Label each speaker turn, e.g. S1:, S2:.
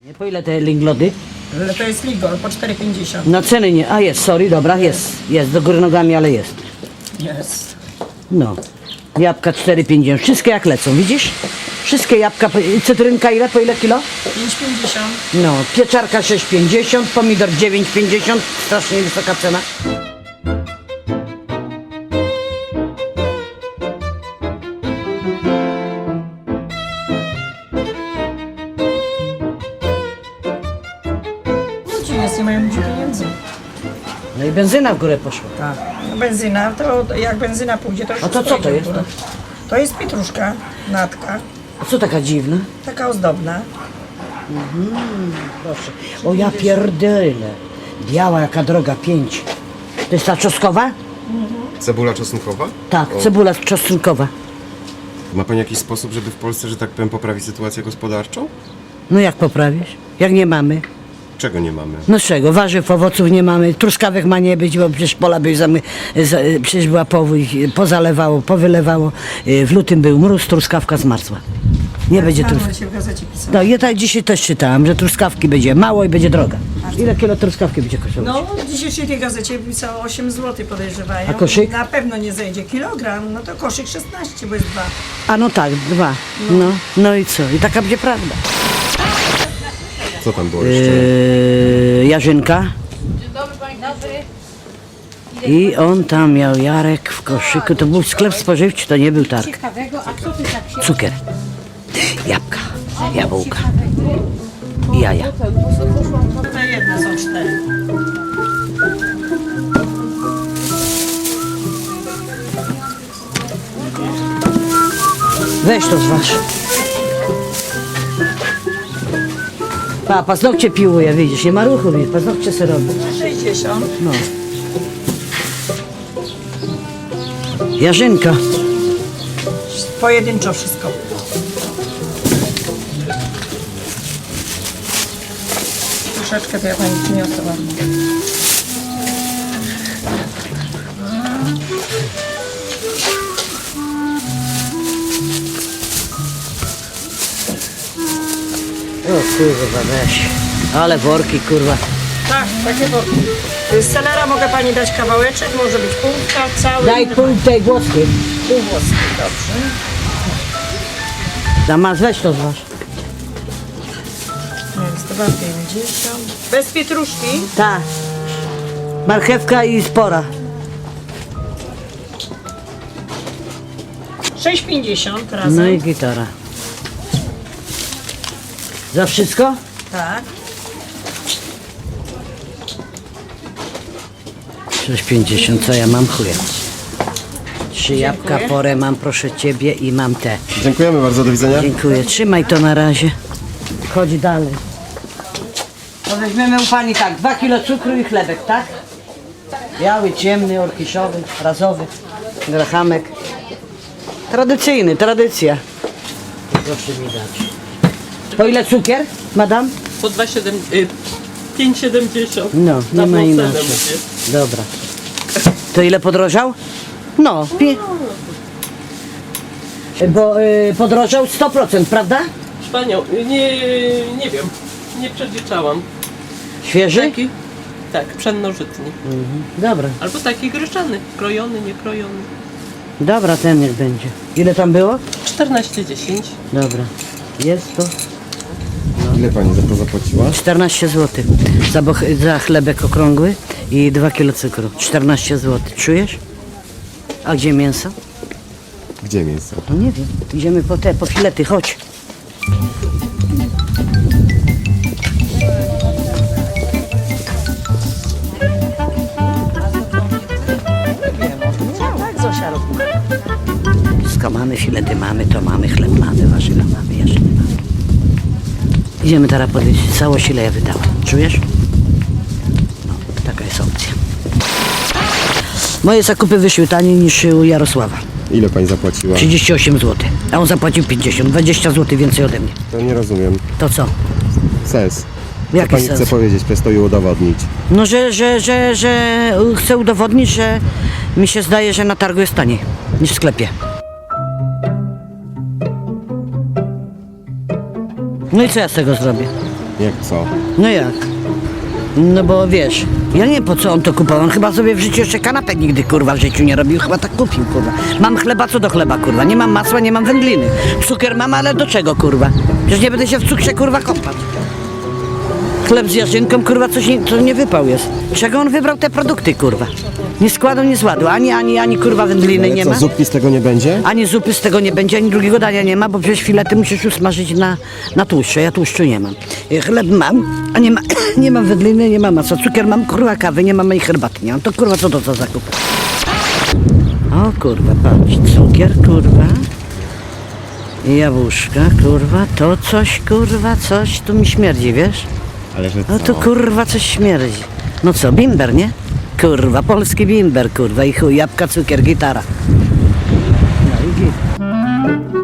S1: Po ile te linglody?
S2: To jest Ligol po 4,50.
S1: No ceny nie, a jest, sorry, dobra, jest, do góry nogami, ale jest.
S2: Jest.
S1: No, jabłka 4,50, wszystkie jak lecą, widzisz? Wszystkie jabłka, cytrynka ile, po ile kilo?
S2: 5,50.
S1: No, pieczarka 6,50, pomidor 9,50, strasznie wysoka cena.
S2: Ludzi jest, nie mają ludzi pieniędzy.
S1: No i benzyna w górę poszła.
S2: Tak. No benzyna, to jak benzyna pójdzie, to już
S1: A to co to jest?
S2: To jest pietruszka, natka,
S1: A co taka dziwna?
S2: taka ozdobna.
S1: Proszę. O ja pierdolę. Biała jaka droga, 5. To jest ta czosnkowa?
S3: Cebula czosnkowa?
S1: Tak, cebula czosnkowa.
S3: Ma Pani jakiś sposób, żeby w Polsce, że tak powiem, poprawić sytuację gospodarczą?
S1: No jak poprawisz? Jak nie mamy?
S3: Czego nie mamy?
S1: No z czego? Warzyw, owoców nie mamy, truskawek ma nie być, bo przecież pola były przecież była powódź, pozalewało, powylewało. W lutym był mróz, truskawka zmarzła. Nie będzie
S2: Rano
S1: truskawki.
S2: się w gazecie pisało.
S1: No ja tak dzisiaj też czytałam, że truskawki będzie mało i będzie droga. Ile kilo truskawki będzie kosztować?
S2: No, w dzisiejszej tej gazecie pisało 8 zł podejrzewają.
S1: A koszyk?
S2: Na pewno nie zejdzie kilogram, no to koszyk 16, bo jest 2.
S1: A no tak, 2. No i co? I taka będzie prawda.
S3: Co tam było jeszcze?
S1: Jarzynka. I on tam miał Jarek w koszyku. To był sklep spożywczy, to nie był targ. Cukier, jabłka, jabłka i jaja.
S2: Te jedne są 4.
S1: Weź to zważ. Paznokcie piłuje, widzisz, nie ma ruchu, widzisz, paznokcie se robi.
S2: 60.
S1: No. Jarzynka.
S2: Pojedynczo wszystko. Troszeczkę to ja pani przyniosę ładnie.
S1: O kurwa, weź. Ale worki, kurwa.
S2: Tak, takie worki. Z selera mogę pani dać kawałeczek, może być półka, cały.
S1: Daj pół tej włoskiej.
S2: Pół włoski, dobrze.
S1: Damas, weź to zważ.
S2: Jest 2,50. Bez pietruszki.
S1: Tak. Marchewka i spora.
S2: 6,50 razem.
S1: No i gitara. Za wszystko?
S2: Tak.
S1: 6,50, co ja mam chuja. 3 jabłka, porę mam, proszę ciebie, i mam te.
S3: Dziękujemy bardzo, do widzenia.
S1: Dziękuję, trzymaj to na razie. Chodź dalej. To weźmiemy u pani tak, 2 kilo cukru i chlebek, tak? Biały, ciemny, orkiszowy, razowy, grachamek. Tradycyjny, tradycja. Proszę mi dać. Po ile cukier, madam?
S4: Po 5,70.
S1: No, nie ma inaczej. Dobra. To ile podrożał? No, bo podrożał 100%, prawda?
S4: Panią, nie wiem, nie przeliczałam.
S1: Świeży?
S4: Taki? Tak, pszennożytny.
S1: Dobra,
S4: Albo taki gryczany, krojony, niekrojony.
S1: dobra, ten niech będzie. Ile tam było?
S4: 14,10.
S1: Dobra, jest to
S3: Ile Pani za to zapłaciła?
S1: 14 zł. Za chlebek okrągły i 2 kilo cukru. 14 zł. Czujesz? A gdzie mięso?
S3: Gdzie miejsce?
S1: No nie wiem. Idziemy po filety, chodź.
S2: Tak, Zosia robi.
S1: Wszystko mamy, filety mamy, to mamy, chleb mamy, warzywa mamy, jarzyny mamy. Idziemy teraz podejść. Całość ile ja wydałem. Czujesz? No, taka jest opcja. Moje zakupy wyszły taniej niż u Jarosława.
S3: Ile Pani zapłaciła?
S1: 38 zł. A on zapłacił 50. 20 zł więcej ode mnie.
S3: To nie rozumiem.
S1: To co?
S3: Sens. Co
S1: Jaki
S3: Pani
S1: sens?
S3: chce powiedzieć przez to i udowodnić?
S1: No, że chcę udowodnić, że mi się zdaje, że na targu jest taniej niż w sklepie. No i co ja z tego zrobię?
S3: Jak co?
S1: No jak? No bo wiesz, ja nie wiem po co on to kupował, on chyba sobie w życiu jeszcze kanapek nigdy kurwa w życiu nie robił, chyba tak kupił kurwa. Mam chleba, co do chleba kurwa, nie mam masła, nie mam wędliny. Cukier mam, ale do czego kurwa? Przecież nie będę się w cukrze kurwa kąpać. Chleb z jarzynką kurwa, co nie wypał jest. Czego on wybrał te produkty kurwa? Nie składu, nie zładu, ani kurwa wędliny nie ma.
S3: zupki z tego nie będzie?
S1: Ani zupy z tego nie będzie, ani drugiego dania nie ma, bo przecież filety musisz usmażyć na tłuszczu. Ja tłuszczu nie mam. Chleb mam, a nie mam wędliny, nie mam masła. Cukier mam, kurwa kawy, nie mam i herbaty nie mam. To kurwa co to za zakup? O kurwa, patrz, cukier, kurwa. Jabłuszka, kurwa, to coś, kurwa, coś tu mi śmierdzi, wiesz?
S3: Ale że
S1: No
S3: co?
S1: to kurwa coś śmierdzi. No co, bimber, nie? Kurwa, polski bimber, kurwa, i chuj, jabłka, cukier, gitara. No i git.